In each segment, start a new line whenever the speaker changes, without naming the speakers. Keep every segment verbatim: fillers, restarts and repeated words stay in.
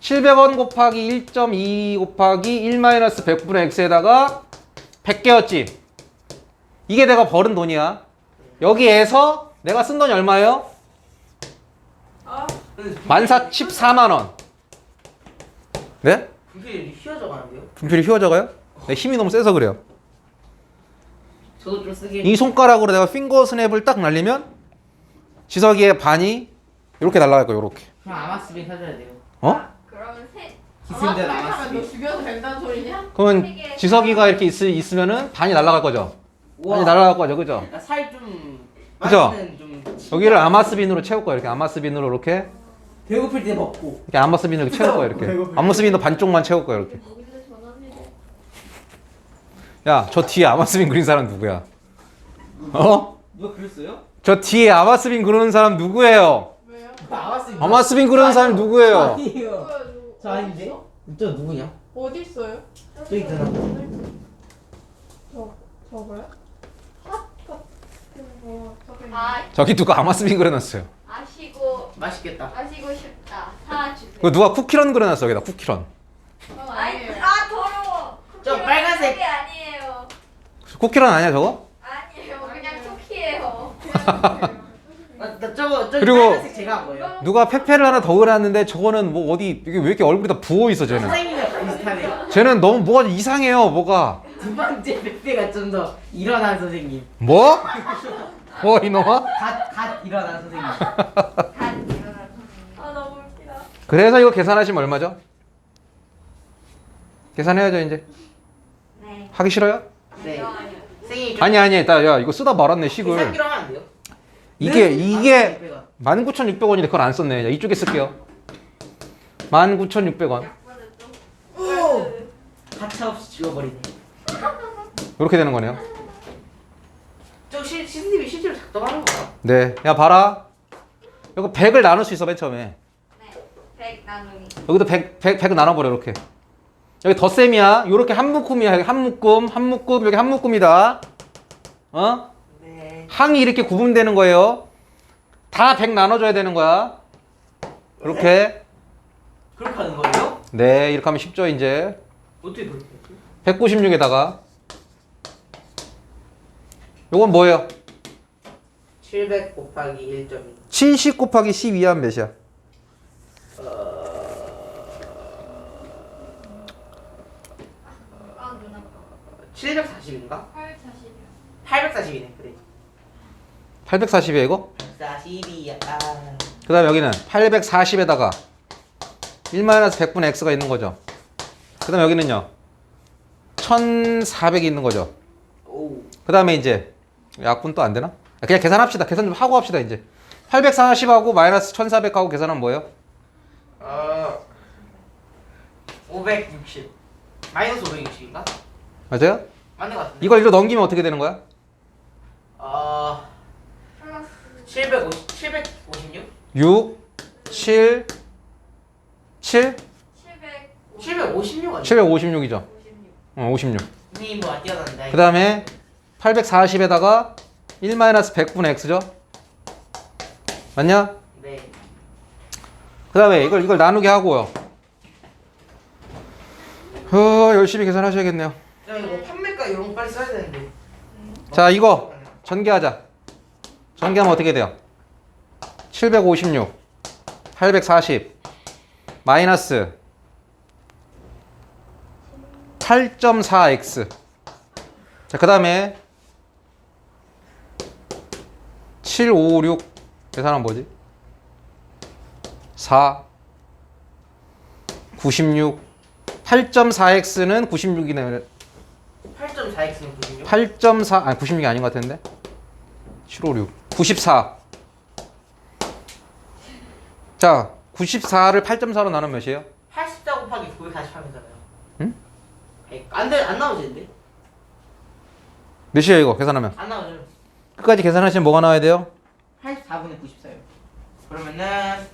칠백 원 곱하기 일 점 이 곱하기 일 마이너스 백분의 x에다가 백 개였지. 이게 내가 벌은 돈이야. 여기에서 내가 쓴 돈이 얼마예요? 만 십사만 원. 네?
분필이 휘어져 가는데요?
분필이 휘어져가요? 내 힘이 너무 세서 그래요.
저도 좀 쓰게.
이 손가락으로 내가 핑거 스냅을 딱 날리면 지석이의 반이 이렇게 날아갈 거예요. 이렇게.
그럼 아마스빈 사줘야 돼요.
어?
그러면 세.
기승전
너
아마스빈.
죽여도 된다는 소리냐?
그러면 지석이가 이렇게 있, 있으면은 반이 날아갈 거죠. 반이 날아갈 거죠, 그죠?
살좀
그죠?
좀
여기를 아마스빈으로 채울 거예요. 이렇게 아마스빈으로 이렇게
배고플 때 먹고.
이렇게 아마스빈으로 이렇게 채울 거예요. 이렇게 아마스빈도 반쪽만 채울 거예요. 이렇게.
여기서 전화해.
야, 저 뒤에 아마스빈 그린 사람 누구야? 어?
누가 그랬어요?
저 뒤에 아마스빈 그리는 사람 누구예요?
왜요?
아마스빈.
아마스빈 그리는 사람 누구예요?
아니에요.
누구야,
저 아닌데? 저 누구냐?
어디 있어요?
저기 있잖아.
저 저거요? 핫 같은 거 저기.
아,
저기 누가 아마스빈 그려놨어요.
아시고
맛있겠다.
아시고 싶다. 사주세요.
그 누가 쿠키런 그려놨어 여기다 쿠키런.
어,
아이,
아니에요.
아 더러워.
저
쿠키는
빨간색.
그게 아니에요.
쿠키런 아니야 저거?
아니에요. 그냥 쿠키예요.
아, 나 저거 저기
그리고-
빨간색 제가 한 거예요.
누가 페페를 하나 더 그려놨는데 저거는 뭐 어디 이게 왜 이렇게 얼굴이 다 부어 있어 쟤는.
선생님이랑 비슷하네요.
쟤는 너무 뭐가 이상해요 뭐가.
두 번째 백배가 좀 더 일어난 선생님.
뭐? 뭐 이놈아?
갓, 갓 일어난 선생님.
다 일어나.
아 너무 웃기다.
그래서 이거 계산하시면 얼마죠? 계산해야죠 이제.
네.
하기 싫어요?
네.
아니요, 아니요.
선생님
아니 아니 나 야 이거 쓰다 말았네 식을.
계산기로 하면 안 돼요?
이게
네?
이게
아, 백배가.
만 구천육백 원인데 그걸 안 썼네. 야, 이쪽에 쓸게요. 만 구천육백 원.
약분은 좀.
오! 가차없이 지워버리네.
이렇게 되는 거네요.
저 시, 시스님이 실제로 작동하는 거야?
네. 야 봐라. 이거 백을 나눌 수 있어 맨 처음에.
네. 백 나누기.
여기도 백, 백, 백 나눠버려 이렇게. 여기 덧셈이야. 요렇게 한 묶음이야. 여기 한 묶음, 한 묶음, 여기 한 묶음이다. 어?
네.
항이 이렇게 구분되는 거예요. 다 백 나눠줘야 되는 거야. 이렇게.
그렇게 하는 거예요?
네, 이렇게 하면 쉽죠 이제.
어떻게 그렇게 했지?
백구십육에다가 요건 뭐예요?
칠백 곱하기 일 점 이.
칠십 곱하기 십이 하면 몇이야?
아 눈 아파.
칠백사십인가?
팔백사십이요.
팔백사십이네. 그래.
팔백사십이야 이거?
사십이야. 아.
그 다음에 여기는 팔백사십에다가 일 마이너스 백분의 x가 있는 거죠. 그 다음에 여기는요 천사백이 있는 거죠.
오.
그 다음에 이제 약분 또 안 되나? 그냥 계산합시다. 계산 좀 하고 합시다 이제. 팔백사십하고 마이너스 천사백하고 계산하면 뭐예요?
어. 오백육십. 마이너스 오백육십인가?
맞아요?
맞는 것 같은데.
이걸 이리로 넘기면 어떻게 되는 거야?
어.
플러스
칠백오십. 칠백오십육?
육, 칠, 칠,
칠백.
칠백오십육 아니야?
칠백오십육이죠.
오십육.
어, 오십육.
선생님 뭐안 뛰어났는데.
그 다음에 팔백사십에다가 일 마이너스 백분의 x죠. 맞냐?
네.
그 다음에 이걸 이걸 나누게 하고요. 어, 열심히 계산하셔야겠네요.
야 이거 판매가 이런 거 빨리 써야 되는데.
자, 이거 전개하자. 전개하면 어떻게 돼요? 칠백오십육, 팔백사십, 마이너스 팔 점 사 엑스. 자, 그 다음에 칠백오십육 계산하면 뭐지? 사, 구십육, 팔 점 사 엑스는 구십육이네.
팔 점 사 엑스는 구십육?
팔 점 사, 아니 구십육이 아닌 것 같은데? 칠백오십육, 구십사. 자, 구십사를 팔 점 사로 나누면 몇이에요?
팔십사 곱하기 구백사십하면잖아요.
응?
백. 안 돼, 안 나오지는데?
몇이에요 이거 계산하면?
안 나오죠.
끝까지 계산하시면 뭐가 나와야 돼요?
팔십사분의 구십사요. 그러면은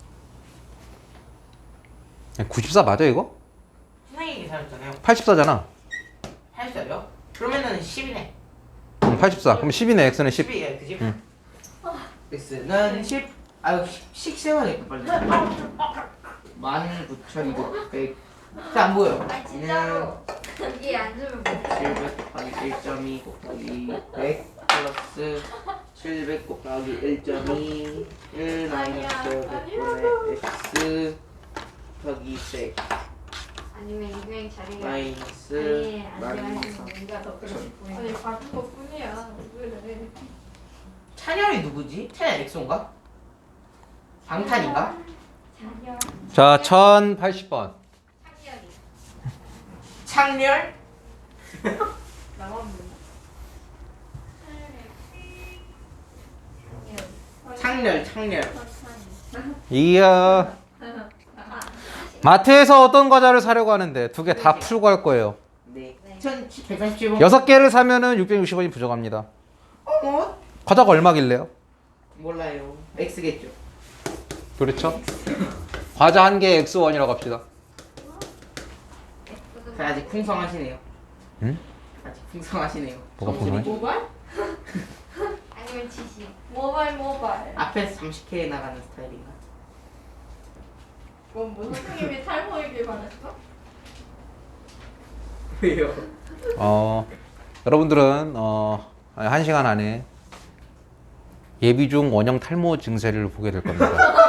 구십사 맞아 이거?
선생님이 계산했잖아요.
팔십사잖아.
팔십사요? 그러면은 십이네.
응, 팔십사. 그럼 십이네. x는 십.
십이에요, 그지?
응.
x는 십. 아유, 십 세워야 돼, 빨리. 만 구천육백. 안 보여.
아 진짜로 여기 앉으면 못
칠백 곱하기 일 점 이 곱하기 백 플러스 칠백 곱하기 일 점 이 일 마이너스 백분의 x 곱하기 백
아니면 이거의 자리가
마이너스
아니
만
아니면 뭔가 더 그렇게 보이는
아니 바꾼 것 뿐이야. 왜 그래?
찬열이 누구지? 찬열 엑소인가? 방탄인가?
자녀
자, 천팔십 번.
창렬이
창렬?
나만 몰라.
창렬 창렬
이야. 마트에서 어떤 과자를 사려고 하는데 두 개 다 풀고 할 거예요.
네 천백사십칠 번
여섯 개를 사면은 육백육십 원이 부족합니다.
어머?
과자가 얼마길래요?
몰라요 X겠죠
그렇죠? 과자 한 개에 엑스 원이라고 합시다.
아직 풍성하시네요
응?
아직 풍성하시네요
뭐가 풍성해?
모바일?
아니면 지시
모바일 모바일.
앞에서 삼십 개 나가는 스타일인가?
그건 뭐 선생님이 탈모이길 바랬어?
왜요?
어, 여러분들은 어, 한 시간 안에 예비 중 원형 탈모 증세를 보게 될 겁니다.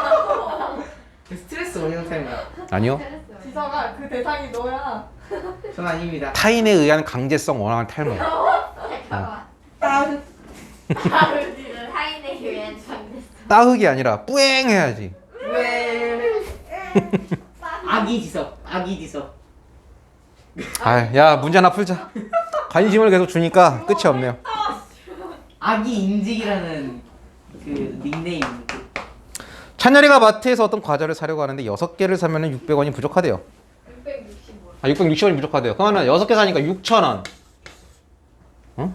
스트레스 원형 타임이야
아니요.
지성아 그 대상이 너야.
전 아닙니다
타인에 의한 강제성 원형 탈모.
잠깐만
나는 다르지를.
타인에 의한 전대
따흑이 아니라 뿌앵 해야지.
왜? 아기 지석 아기 지석
아, 야 문제 하나 풀자. 관심을 계속 주니까 끝이 없네요.
아기 인직이라는 그 닉네임 그
찬열이가 마트에서 어떤 과자를 사려고 하는데 여섯 개를 사면은 육백 원이 부족하대요.
육백육십 원.
아, 육백육십 원이 부족하대요. 그러면 여섯 개 사니까 육천 원. 응?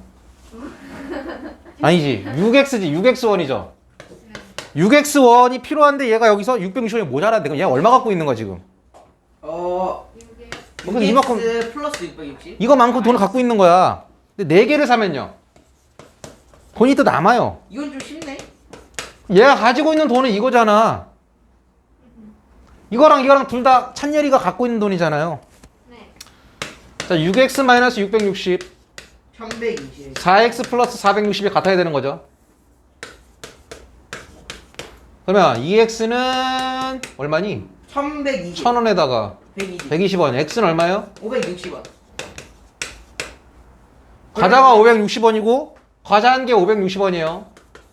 아니지. 육 엑스지. 육 엑스 원이죠. 육 엑스 원이 필요한데 얘가 여기서 육백육십 원이 모자란데 그럼 얘 얼마 갖고 있는 거야 지금?
어...
뭐 근데 이만큼
육엑스 플러스 육백육십?
이거만큼 돈을 갖고 있는 거야. 근데 네 개를 사면요. 돈이 또 남아요.
이건 좀 쉽네
얘가 가지고 있는 돈은 이거잖아. 이거랑 이거랑 둘 다 찬열이가 갖고 있는 돈이잖아요.
네
자, 육 엑스 마이너스 육백육십,
천백이십
사 엑스 플러스 사백육십이 같아야 되는 거죠. 그러면 이 엑스는 얼마니?
천백이십
천 원에다가
백이십
백이십 원. x는 얼마요?
오백육십 원
과자가 오백육십 원이고 과자 한 개 오백육십 원이에요.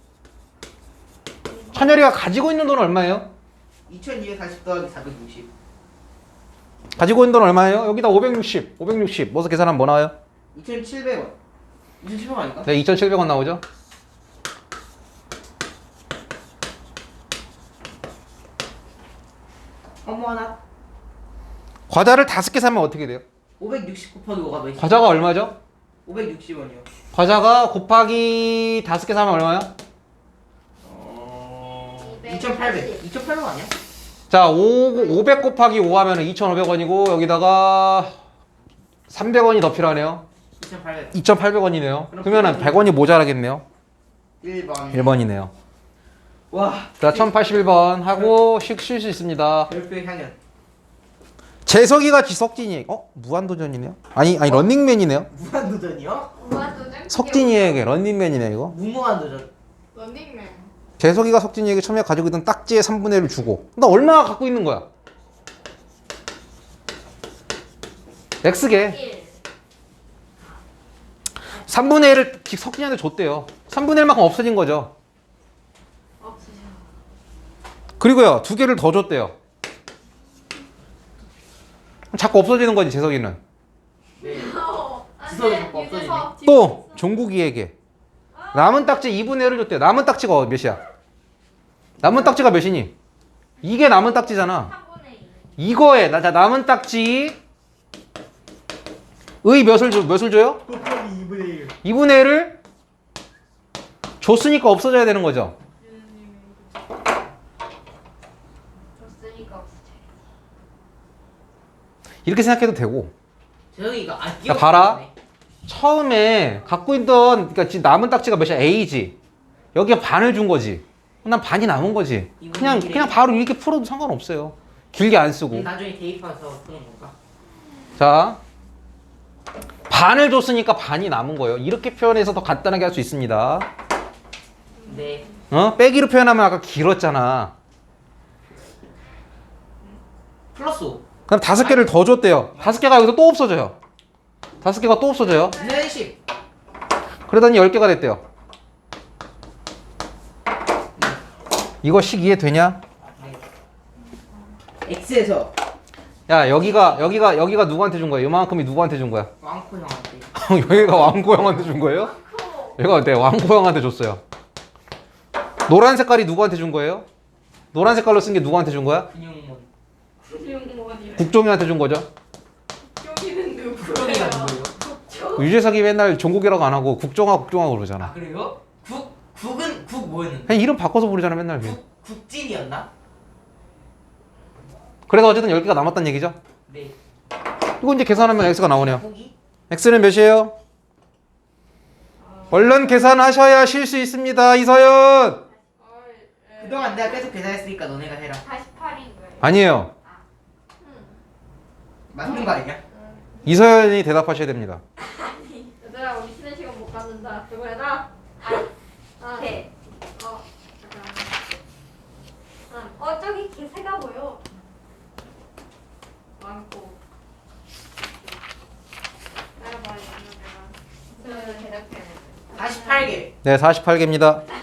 찬열이가 가지고 있는 돈은 얼마예요?
이천이백사십 더하기 사백육십
가지고 있는 돈 얼마예요? 여기다 오백육십, 오백육십. 뭐서 계산하면 뭐 나와요?
이천칠백 원 이천칠백 원 아닐까?
네, 이천칠백 원 나오죠?
어머 하나
과자를 다섯 개 사면 어떻게 돼요?
오백육십 곱하기 오가 몇이죠?
과자가 얼마죠?
오백육십 원이요
과자가 곱하기 다섯 개 사면 얼마야?
어... 이천팔백 이천팔백 원 아니야?
자, 오, 오백 곱하기 오 하면 이천오백 원이고 여기다가 삼백 원이 더 필요하네요.
이천팔백
이천팔백 원이네요.
그럼
그러면 백 원이 모자라겠네요.
일 번
일 번이네요.
와
자, 천팔십일 번 하고 쉴 수 있습니다.
별표의 향연
재석이가 지석진이 어? 무한도전이네요? 아니, 아니 런닝맨이네요.
무한도전이요?
무한도전
석진이에게 런닝맨이네 이거.
무모한도전
런닝맨.
재석이가 석진이에게 처음에 가지고 있던 딱지의 삼분의 일을 주고 나 얼마나 갖고 있는 거야? X개
일
삼분의 일을 석진이한테 줬대요. 삼분의 일만큼 없어진 거죠.
없으셔
그리고요 두 개를 더 줬대요. 자꾸 없어지는 거지 재석이는.
네
어,
지성이
안돼.
자꾸 없어지네.
유재석.
또 종국이에게 남은 딱지 이분의 일을 줬대요. 남은 딱지가 몇이야? 남은 딱지가 몇이니? 이게 남은 딱지잖아.
삼분의 이
이거에 나 자 남은 딱지 의 몇을 줘 몇을 줘요?
곱하기 이분의 일
이분의 일을 줬으니까 없어져야 되는 거죠.
줬으니까 없으셔
이렇게 생각해도 되고.
재석이가 아
자,
기억
봐라. 처음에 갖고 있던 그러니까 지금 남은 딱지가 몇이야? A지. 여기에 반을 준 거지. 난 반이 남은 거지. 그냥 그냥 바로 이렇게 풀어도 상관없어요. 길게 안 쓰고.
나중에 대입해서 푸는 건가?
자, 반을 줬으니까 반이 남은 거예요. 이렇게 표현해서 더 간단하게 할 수 있습니다.
네.
어? 빼기로 표현하면 아까 길었잖아.
플러스 오.
그럼 다섯 개를 더 줬대요. 다섯 개가 여기서 또 없어져요. 다섯 개가 또 없어져요.
네, 십.
그러더니 열 개가 됐대요. 이거 식 이해되냐?
네. X에서
야, 여기가 여기가 여기가 누구한테 준 거야? 이만큼이 누구한테 준 거야?
왕코 형한테.
여기가 왕고 형한테 준 거예요? 얘가 네, 왕고 형한테 줬어요. 노란 색깔이 누구한테 준 거예요? 노란 색깔로 쓴 게 누구한테 준 거야?
근육몬.
육모원이래.
국종이한테 준 거죠.
여기는 누구예요?
국종이가 누구예요?
유재석이 맨날 종국이라고 안 하고 국종아 국종아 그러잖아.
아 그래요? 국 국은 국 뭐였는데?
그냥 이름 바꿔서 부르잖아 맨날.
국 국진이었나?
그래서 어쨌든 열 개가 남았다는 얘기죠.
네.
이거 이제 계산하면 x가 나오네요.
국이?
x는 몇이에요? 얼른 계산하셔야 쉴 수 있습니다. 이서연.
그동안 내가 계속 계산했으니까 너네가 해라.
사십팔인 거예요.
아니에요.
맞는 거 아니야?
이서연이 대답하셔야 됩니다.
얘들아 우리 쉬는 시간 못 갖는다. 누구 해라? 아,
네.
어, 잠깐.
어 저기 개새가 보여.
많고.
따라봐요. 저는 대답해야 돼.
사십팔 개.
네, 사십팔 개입니다.